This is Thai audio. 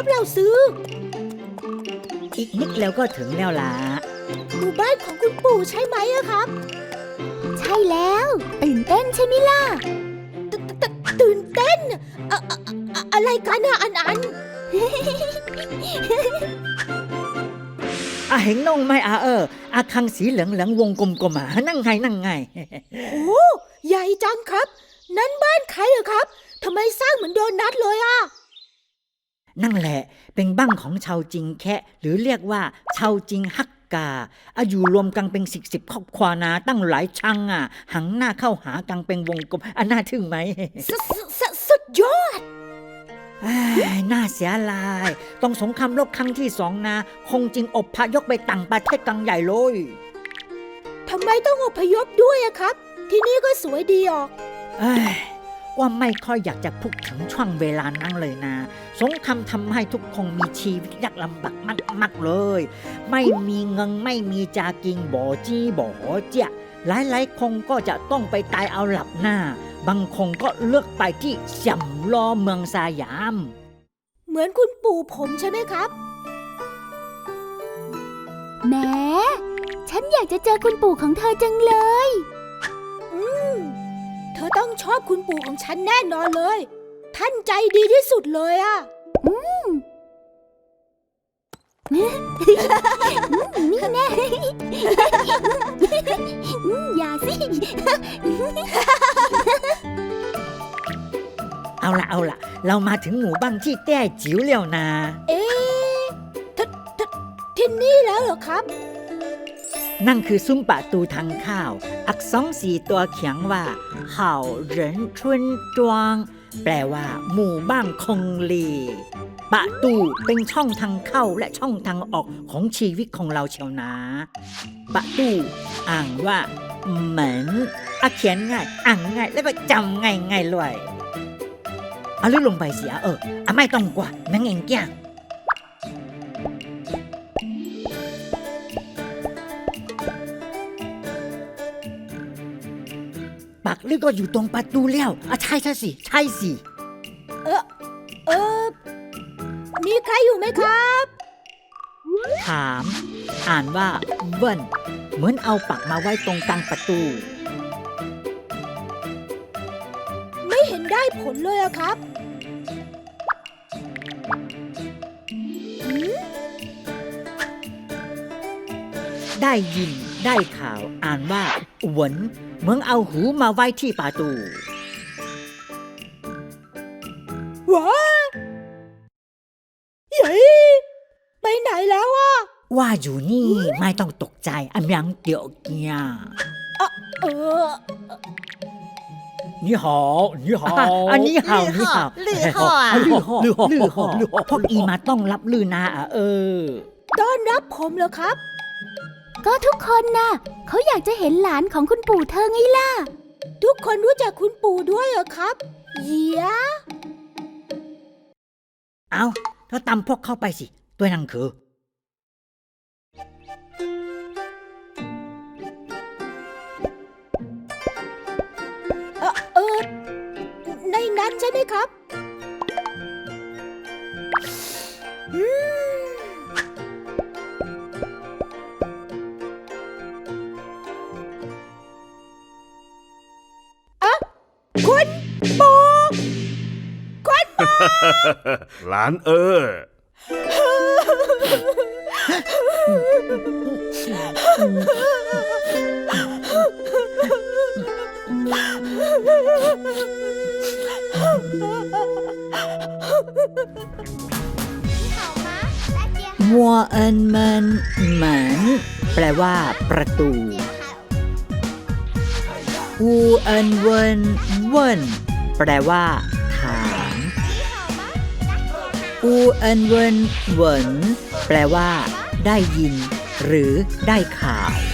ครับเราซื้ออีกนิดแล้วก็ถึงแล้วล่ะหมู่บ้านของคุณปู่ใช่ไหมอะครับใช่แล้วตื่นเต้นใช่ไหมล่ะตื่นเต้นอะไรกันอะอันเห็นน้องไหมอาคังสีเหลืองวงกลมนั่งไงโอ้ใหญ่จังครับนั่นบ้านใครเหรอครับทำไมสร้างเหมือนโดนัทเลยอะนั่นแหละเป็นบ้านของชาวจิงแคะหรือเรียกว่าชาวจิงฮักกาอยู่รวมกันเป็น10ครอบครัวนะตั้งหลายชังหันหน้าเข้าหากันเป็นวงกลมน่าทึ่งไหมสุดยอดน่าเสียลายต้องสงครามโลกครั้งที่2นะคงจริงอพยพไปต่างประเทศกังใหญ่เลยทำไมต้องอพยพด้วยอะครับที่นี่ก็สวยดีออกว่าไม่ค่อยอยากจะพูดถึงช่วงเวลานั้นเลยนะสงครามทำให้ทุกคนมีชีวิตยากลำบากมากเลยไม่มีเงินไม่มีจากินบ่จี้บ่เจียหลายคนก็จะต้องไปตายเอาหลับหน้าบางคนก็เลือกไปที่เสี่ยมลอเมืองสยามเหมือนคุณปู่ผมใช่ไหมครับแหมฉันอยากจะเจอคุณปู่ของเธอจังเลยเธอต้องชอบคุณปู่ของฉันแน่นอนเลยท่านใจดีที่สุดเลยอะนี่แน่อย่าสิเอาละเรามาถึงหมู่บ้านที่แต้จิ๋วแล้วนะที่นี่แล้วเหรอครับนั่นคือซุ้มประตูทางเข้าอักษร4ตัวเขียนว่าเห่าเหรินชุนจวงแปลว่าหมู่บ้านคงลีประตูเป็นช่องทางเข้าและช่องทางออกของชีวิตของเราเชียวนะประตูอ่านว่าเหมือนเขียนง่ายอ่านง่ายแล้วก็จำง่ายเลยเอาลื่นลงไปเสียไม่ต้องกว่านั่งเองแก่ปักลึกก็อยู่ตรงประตูแล้วใช่สิมีใครอยู่ไหมครับถามอ่านว่าเวินเหมือนเอาปักมาไว้ตรงกลางประตูไม่เห็นได้ผลเลยอะครับได้ยินได้ข่าวอ่านว่าหวนเหมือนเอาหูมาไว้ที่ประตูว้าเย้ไปไหนแล้วอะว่าอยู่นี่ไม่ต้องตกใจอันยังเดี๋ยวเกียนี่หอนี่หอนี่หอพวกอีมาต้องรับลือนาต้อนรับผมเหรอครับก็ทุกคนน่ะเขาอยากจะเห็นหลานของคุณปู่เธอไงล่ะทุกคนรู้จักคุณปู่ด้วยเหรอครับเยี่ยเอาถ้าตามพวกเข้าไปสิตัวนั่งคือในนั้นใช่ไหมครับคุณปู่หลานมัวเอินเมินเหมือนแปลว่าประตูอูเอินเวินแปลว่าถามอูเอินเวินแปลว่าได้ยินหรือได้ข่าว